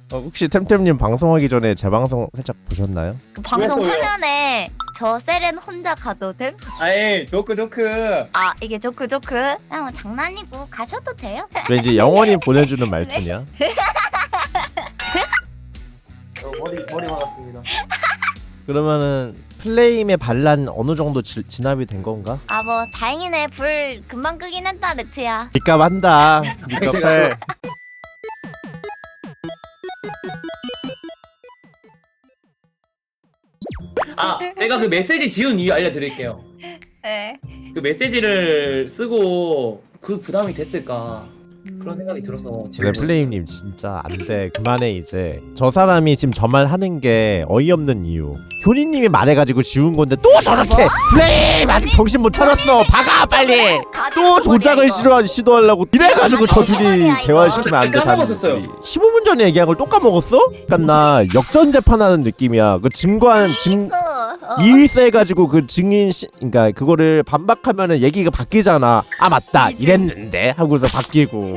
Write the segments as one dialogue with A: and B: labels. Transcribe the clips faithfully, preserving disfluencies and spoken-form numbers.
A: 어, 혹시 템템님 방송하기 전에 제 방송 살짝 보셨나요?
B: 그 방송
C: 왜요?
B: 화면에 저 세렌 혼자 가도 됨?
C: 아이 조크 조크.
B: 아 이게 조크 조크? 그냥 뭐 장난이고 가셔도 돼요?
A: 왠지 영원히 보내주는 말투냐?
C: 어, 머리 머리 박았습니다.
A: 그러면은 플레임의 반란 어느 정도 지, 진압이 된 건가?
B: 아 뭐 다행이네. 불 금방 끄긴 했다 레트야.
A: 니값 한다. 니값 해.
C: 아 내가 그 메시지 지운 이유 알려드릴게요.
B: 네.
C: 그 메시지를 쓰고 그 부담이 됐을까 그런 생각이 들어서
A: 네, 플레임님 진짜 안돼. 그만해 이제. 저 사람이 지금 저 말 하는 게 어이없는 이유. 효니님이 말해가지고 지운 건데 또 저렇게. 플레임 아직 정신 못 차렸어. 박아 빨리. 또 조작을 시도 시도하려고 이래가지고 저 둘이 대화시키면 안 돼.
C: 까먹었었어요.
A: 십오 분 전에 얘기한 걸 또 까먹었어? 약간 나 역전 재판하는 느낌이야. 그 증거한 증 이의서 해가지고 그 증인 시, 그러니까 그거를 반박하면은 얘기가 바뀌잖아. 아 맞다 이랬는데 하고서 바뀌고.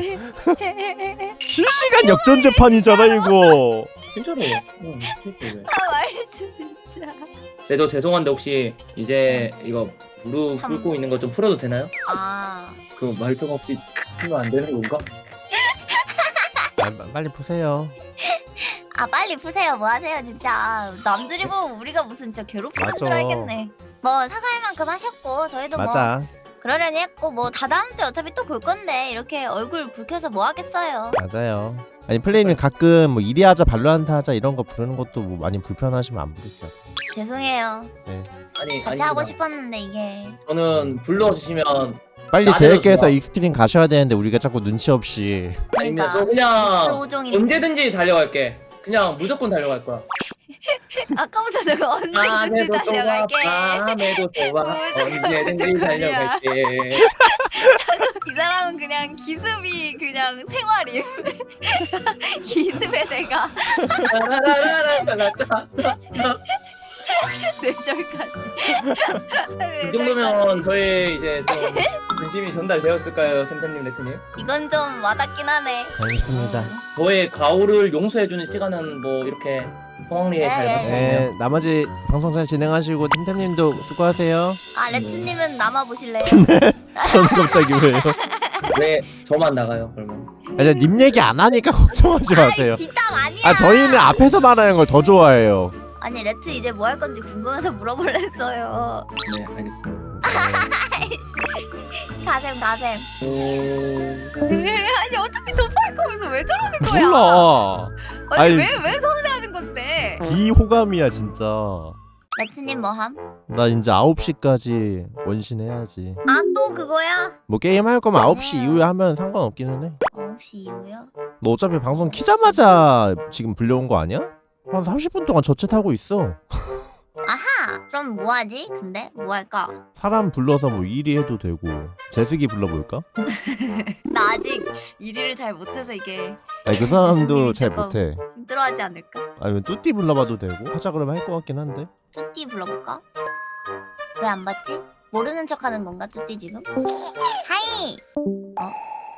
A: 실시간 역전 재판이잖아 이거.
C: 진짜로. 응, 진짜로.
B: 아 말투 진짜.
C: 네, 저 죄송한데 혹시 이제 이거 무릎
B: 삼-
C: 꿇고 있는 거 좀 풀어도 되나요?
B: 아
C: 그 말투가 혹시 크면 안 되는 건가?
A: 아, 빨리 푸세요.
B: 아 빨리 푸세요. 뭐 하세요 진짜. 남들이 보면 우리가 무슨 진짜 괴롭히는
A: 맞아.
B: 줄 알겠네. 뭐 사과할 만큼 하셨고 저희도 뭐
A: 맞아.
B: 그러려니 했고 뭐 다 다음 주에 어차피 또 볼 건데 이렇게 얼굴 붉혀서 뭐 하겠어요.
A: 맞아요. 아니 플레이님 가끔 뭐 이리 하자 발로한테 하자 이런 거 부르는 것도 뭐 많이 불편하시면 안 부르세요.
B: 죄송해요.
C: 아니
B: 같이
C: 아닙니다.
B: 하고 싶었는데 이게
C: 저는 불러주시면
A: 빨리
C: 나대로
A: 제이께서
C: 좋아.
A: 익스트림 가셔야 되는데 우리가 자꾸 눈치 없이.
C: 아닙니다. 저
B: 그러니까
C: 그냥
B: 오종인데
C: 언제든지 달려갈게. 그냥 무조건 달려갈 거야.
B: 아까부터 저거 언제든지
C: 밤에도 좋아,
B: 달려갈게.
C: 밤에도 좋아,
B: 무조건
C: 언제든지
B: 무조건이야.
C: 달려갈게.
B: 이 사람은 그냥 기습이 그냥 생활임. 기습에 내가 뇌절까지.
C: 이 정도면 저희 이제 좀 관심이 전달되었을까요, 템템님, 레트님?
B: 이건 좀 와닿긴 하네.
A: 알겠습니다.
C: 저의 가오를 용서해주는 시간은 뭐 이렇게 성황리에 잘
B: 네,
C: 봤거든요.
A: 네 나머지 방송 잘 진행하시고 템템님도 수고하세요.
B: 아 레트님은 남아 보실래요?
A: 저는 갑자기 왜요?
C: 왜 저만 나가요, 그러면?
A: 아니 님 얘기 안 하니까 걱정하지 마세요.
B: 뒷담 아니야.
A: 아 저희는 앞에서 말하는 걸 더 좋아해요.
B: 아니 레트 이제 뭐 할 건지 궁금해서 물어볼랬어요.
C: 네, 알겠습니다.
B: 가셈 가셈.
C: 오...
B: 아니 어차피 도파할 거면서 왜 저러는 거야?
A: 몰라.
B: 아니
A: 아니,
B: 왜왜 서운해하는 건데?
A: 비호감이야 진짜.
B: 레트님 뭐함?
A: 나 이제 아홉 시까지 원신해야지.
B: 아 또 그거야?
A: 뭐 게임 할 거면 아홉 시 이후에 하면 상관없기는 해.
B: 아홉 시 이후요?
A: 너 어차피 방송 키자마자 지금 불려온 거 아니야? 한 삼십 분 동안 저챗 하고 있어.
B: 아하 그럼 뭐 하지? 근데 뭐 할까?
A: 사람 불러서 뭐 일이 해도 되고. 제스기 불러볼까?
B: 나 아직 일을 잘 못해서 이게
A: 아니 그 사람도
B: 제스기는
A: 잘
B: 조금-
A: 못해.
B: 힘들어하지 않을까?
A: 아니면 뚜띠 불러봐도 되고. 하자 그러면 할 것 같긴 한데.
B: 뚜띠 불러볼까? 왜 안 받지? 모르는 척하는 건가 뚜띠 지금? 하이! 어?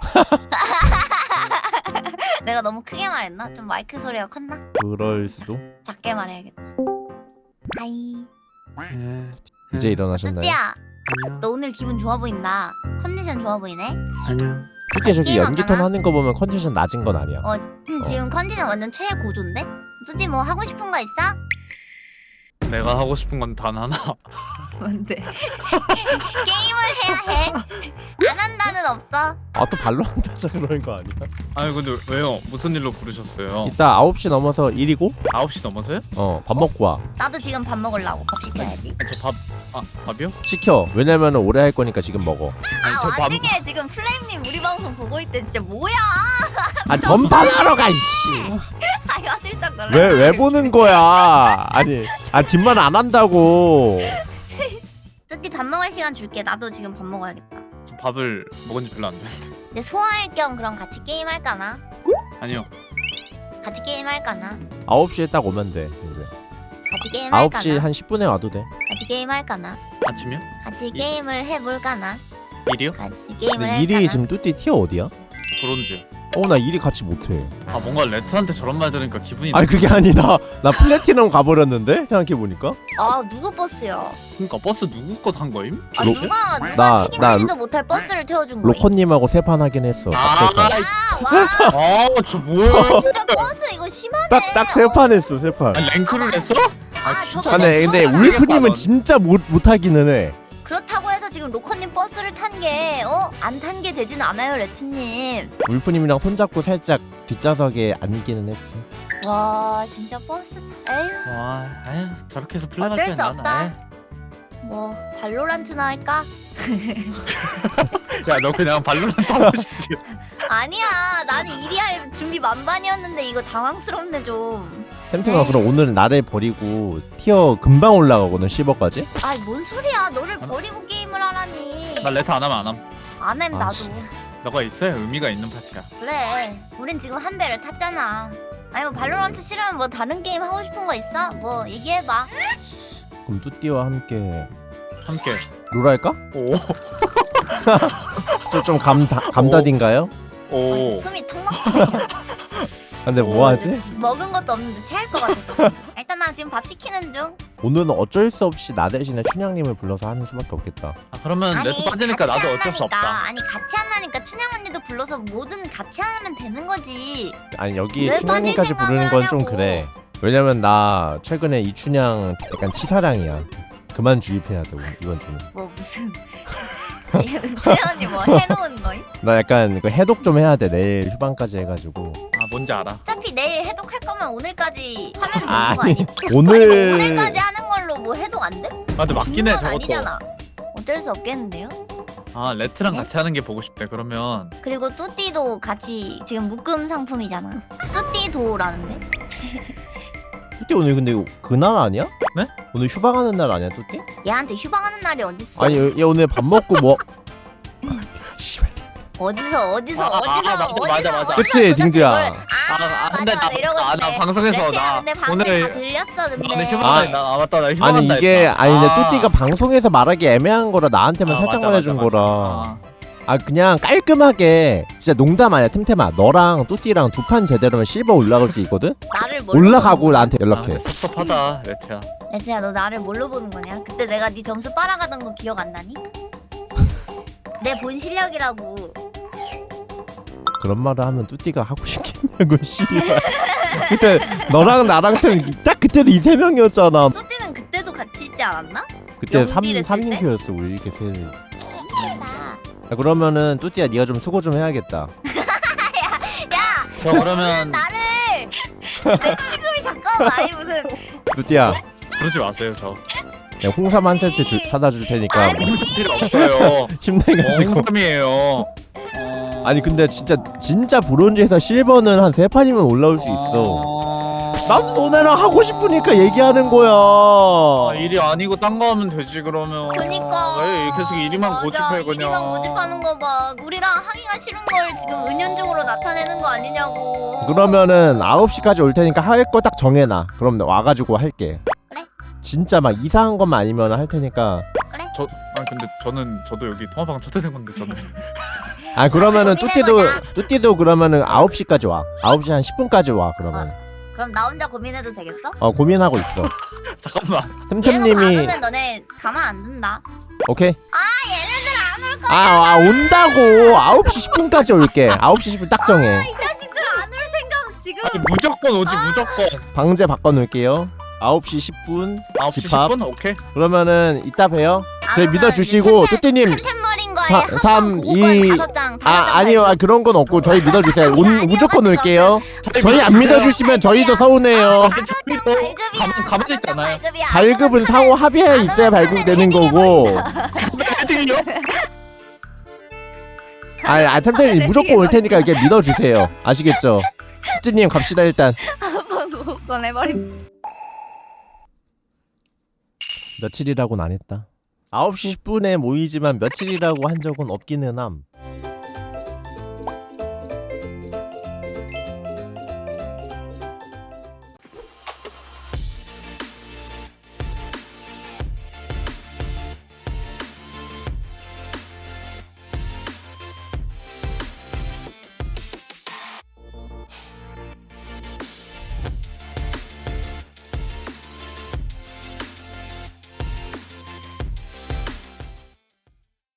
B: 내가 너무 크게 말했나? 좀 마이크 소리가 컸나?
A: 그럴 수도.
B: 작게 말해야겠다. 하이.
D: 예,
A: 이제 일어나셨나요?
B: 뚜띠야,
D: 아니요,
B: 너 오늘 기분 좋아 보인다. 컨디션 좋아 보이네.
D: 아니요.
A: 뚜띠 저기
B: 게임 안
A: 연기톤
B: 하나?
A: 하는 거 보면 컨디션 낮은 건 아니야.
B: 어, 음, 지금 컨디션 완전 최고조인데? 뚜띠 뭐 하고 싶은 거 있어?
D: 내가 하고 싶은 건 단 하나.
B: 뭔데? 게임을 해야 해. 안 한다는 없어.
A: 아 또 발로한테 하자 그러는 거 아니야?
D: 아니 근데 왜요? 무슨 일로 부르셨어요?
A: 이따 아홉 시 넘어서 일이고
D: 아홉 시 넘어서요?
A: 어 밥 먹고 와.
B: 나도 지금 밥 먹으려고 밥 시켜야지.
D: 저 밥... 아 밥이요?
A: 시켜. 왜냐면은 오래 할 거니까 지금 먹어.
D: 아니
B: 아
D: 저 밥...
B: 와중에 지금 플레임님 우리 방송 보고 있대. 진짜 뭐야?
A: 아 덤판하러 가 이씨.
B: 아유 아들짝 놀라.
A: 왜 왜 보는 거야? 아니 아 뒷말 안 한다고.
B: 뚜띠 밥 먹을 시간 줄게. 나도 지금 밥 먹어야겠다.
D: 저 밥을 먹은 지 별로 안 됐는데.
B: 이제 소화할 겸 그럼 같이 게임 할까나?
D: 아니요.
B: 같이 게임 할까나?
A: 아홉 시에 딱 오면 돼. 이제.
B: 같이 게임
A: 아홉 시
B: 할까나?
A: 한 십 분에 와도 돼.
B: 같이 게임 할까나?
D: 아침이요?
B: 같이
D: 이-
B: 게임을 해볼까나?
D: 일이요?
B: 같이 게임을
A: 근데
B: 할까나?
A: 일이 지금 뚜띠 티어 어디야?
D: 브론즈.
A: 어 나 일이 같이 못해.
D: 아 뭔가 레트한테 저런 말 들으니까 기분이.
A: 아니 그게 아니라 나 플래티넘 가버렸는데 생각해보니까.
B: 아 누구 버스야?
D: 그러니까 버스 누구 것 한 거임?
B: 아
A: 로-
B: 누가 누가
A: 나-
B: 책임지지도
A: 나
B: 못할 버스를 태워준 거야?
A: 로커님하고 세 판 하긴 했어.
D: 아,
B: 와
D: 아저 뭐야?
B: 진짜 버스 이거 심하네.
A: 딱딱 세 판 했어 세 판.
D: 아니, 랭크를 했어?
B: 아,
D: 진짜
B: 저거
A: 근데
B: 나
A: 근데
B: 버스가
A: 울프님은
D: 넌.
A: 진짜 못 못하기는 해.
B: 그렇다고 해서 지금 로커님 버스를 탄 게 어? 안 탄 게 되진 않아요 레츠님.
A: 울프님이랑 손잡고 살짝 뒷좌석에 앉기는 했지.
B: 와 진짜 버스 에휴
D: 와, 에휴 저렇게 해서 플레이
B: 어쩔
D: 할때
B: 수
D: 난.
B: 없다. 뭐 발로란트나 할까?
D: 야너 그냥 발로란트 하고 싶지?
B: 아니야 나는 일이 할 준비 만반이었는데 이거 당황스럽네 좀.
A: 템템아 그럼 오늘 나를 버리고 티어 금방 올라가거든 십억까지?
B: 아이 뭔 소리야 너를 버리고 게임을 하라니.
D: 나 레트 안 하면 안 함.
B: 안햄
A: 아,
B: 나도.
A: 씨.
D: 너가 있어야 의미가 있는 파티야.
B: 그래 우린 지금 한 배를 탔잖아. 아니 뭐 발로란트 싫으면 뭐 다른 게임 하고 싶은 거 있어? 뭐 얘기해봐.
A: 그럼 뚜띠와 함께
D: 함께.
A: 롤 할까?
D: 오.
A: 저 좀 감다 감다딘가요?
D: 오.
B: 아니, 숨이 턱 막히네.
A: 근데 뭐 하지?
B: 먹은 것도 없는데 체할 것 같아서. 일단 나 지금 밥 시키는 중.
A: 오늘은 어쩔 수 없이 나 대신에 춘향님을 불러서 하는 수밖에 없겠다.
D: 아 그러면
B: 아니
D: 레트 빠지니까
B: 같이
D: 나도
B: 안
D: 어쩔 수
B: 하니까.
D: 없다.
B: 아니 같이 안 하니까 춘향 언니도 불러서 뭐든 같이 하면 되는 거지.
A: 아니 여기
B: 왜
A: 춘향님까지
B: 빠질
A: 부르는 건 좀
B: 생각을
A: 그래. 왜냐면 나 최근에 이춘향 약간 치사량이야. 그만 주입해야 돼 이번 주는.
B: 뭐 무슨 춘향 언니 뭐 해로운 거임?
A: 나 약간 그 해독 좀 해야 돼 내일 휴방까지 해가지고.
D: 아 뭔지 알아.
B: 어차피 내일 해독할 거면 오늘까지 하면 되는 거
A: 아니
B: 아니? 아니
A: 오늘
B: 뭐 오늘까지 하는 걸로 뭐 해독 안 돼?
D: 아 근데 맞긴 해
B: 중요한
D: 저것도.
B: 아니잖아. 어쩔 수 없겠는데요?
D: 아 레트랑
B: 네?
D: 같이 하는 게 보고 싶대. 그러면
B: 그리고 뚜띠도 같이 지금 묶음 상품이잖아. 뚜띠도라는데?
A: 뚜띠 오늘 근데 그날 아니야?
D: 네?
A: 오늘 휴방하는 날 아니야 뚜띠?
B: 얘한테 휴방하는 날이 어딨어?
A: 아니 얘, 얘 오늘 밥 먹고 뭐 씨발.
B: 어디서 어디서
D: 아, 아,
B: 어디서
D: 아, 맞아,
B: 어디서
D: 맞아, 맞아.
A: 그치,
B: 도대체
A: 딩두야.
B: 그걸-
D: 아,
B: 아,
D: 아, 근데
B: 맞아,
D: 나-
B: 이러고
D: 아, 나
B: 있네.
D: 방송에서
B: 레트야,
D: 나
B: 근데 방금
D: 오늘-
B: 다 들렸어 근데.
D: 나 휴방한다.
A: 아,
D: 나 아, 맞다 나 휴방한다.
A: 아니 이게
D: 했다.
A: 아니 근데
D: 아.
A: 뚜띠가 방송에서 말하기 애매한 거라 나한테만
D: 아,
A: 살짝
D: 맞아,
A: 말해준
D: 맞아,
A: 거라.
D: 맞아.
A: 아 그냥 깔끔하게 진짜 농담 아니야 템템아 너랑 뚜띠랑 두 판 제대로면 실버 올라갈 수 있거든?
B: 나를 뭘로
A: 올라가고
B: 보는 거야?
A: 나한테
D: 아,
A: 연락해.
D: 근데 섭섭하다 레트야.
B: 레트야 너 나를 뭘로 보는 거냐? 그때 내가 네 점수 빨아가던 거 기억 안 나니? 내 본 실력이라고.
A: 그런 말을 하면 뚜띠가 하고 싶겠냐고 씨발. 그때 너랑 나랑 딱 그때도 이 세 명이었잖아.
B: 뚜띠는 그때도 같이 있지 않았나?
A: 그때 삼
B: 영딜 했을
A: 삼
B: 때?
A: 인큐였어 우리 이렇게 세.
B: 미쳤다.
A: 야, 그러면은 뚜띠야 네가 좀 수고 좀 해야겠다.
D: 저 그러면
B: 나를 내 취급이 잠깐만 아니 무슨
A: 뚜띠야
D: 그러지 마세요 저.
A: 내가 홍삼 한 세트 줄, 사다 줄 테니까
B: 아니.
D: 홍삼 필요 없어요.
A: 힘내가지고.
D: 홍삼이에요.
A: 아니 근데 진짜 진짜 브론즈에서 실버는 한 세 판이면 올라올 수 있어. 나도 너네랑 하고 싶으니까 얘기하는 거야.
D: 아, 일이 아니고 딴 거 하면 되지 그러면.
B: 그니까
D: 왜 계속 일이만
B: 맞아,
D: 고집해 그냥.
B: 일이만 고집하는 거봐 우리랑 하기가 싫은 걸 지금 은연중으로 나타내는 거 아니냐고.
A: 그러면은 아홉 시까지 올 테니까 할 거 딱 정해놔. 그럼 내가 와가지고 할게.
B: 그래.
A: 진짜 막 이상한 것만 아니면 할 테니까.
D: 저 아니 근데 저는 저도 여기 통화방 초대된 건데 저는.
A: 아 그러면은
B: 정리된
A: 뚜띠도
B: 거냐?
A: 뚜띠도 그러면은 아홉 시까지 와. 아홉 시 한 십 분까지 와 그러면.
B: 그럼 나 혼자 고민해도 되겠어?
A: 어 고민하고 있어.
D: 잠깐만.
A: 템템님이
B: 얘네가 안 오면 너네 가만 안 둔다.
A: 오케이.
B: 아 얘네들 안 올 거야.
A: 아, 아 온다고. 아홉 시 십 분까지 올게. 아홉 시 십 분 딱 정해.
B: 이 자식들 안 올 생각 지금.
D: 아니, 무조건 오지 무조건.
A: 방제 바꿔놓을게요. 아홉 시 십 분
D: 아홉 시 십
A: 집합.
D: 분 오케이.
A: 그러면 이따 봬요.
B: 안
A: 저희
B: 오면
A: 믿어주시고
B: 이제
A: 뚜띠님
B: 템템머린 거에
A: 사-
B: 한
A: 삼,
B: 번 고건
A: 이-
B: 다섯 장, 다섯
A: 아
B: 장
A: 아니요 아,
B: 발급.
A: 그런 건 없고 저희 믿어주세요. 온,
B: 아니요,
A: 무조건
B: 하지
A: 올게요. 저희 안 믿어주시면 저희도 서운해요.
B: 발급이야.
D: 가만 가만히
B: 다섯 장
D: 있잖아요.
B: 발급이야.
A: 발급은 상호 합의에 있어야 발급되는 거고.
D: 헤딩이요?
A: 아, 아 템템님 무조건 올 테니까 이렇게 믿어주세요. 아시겠죠? 뚜띠님 갑시다 일단.
B: 한번 고건 해버림.
A: 며칠이라고는 안 했다. 아홉 시 십 분에 모이지만 며칠이라고 한 적은 없기는 함.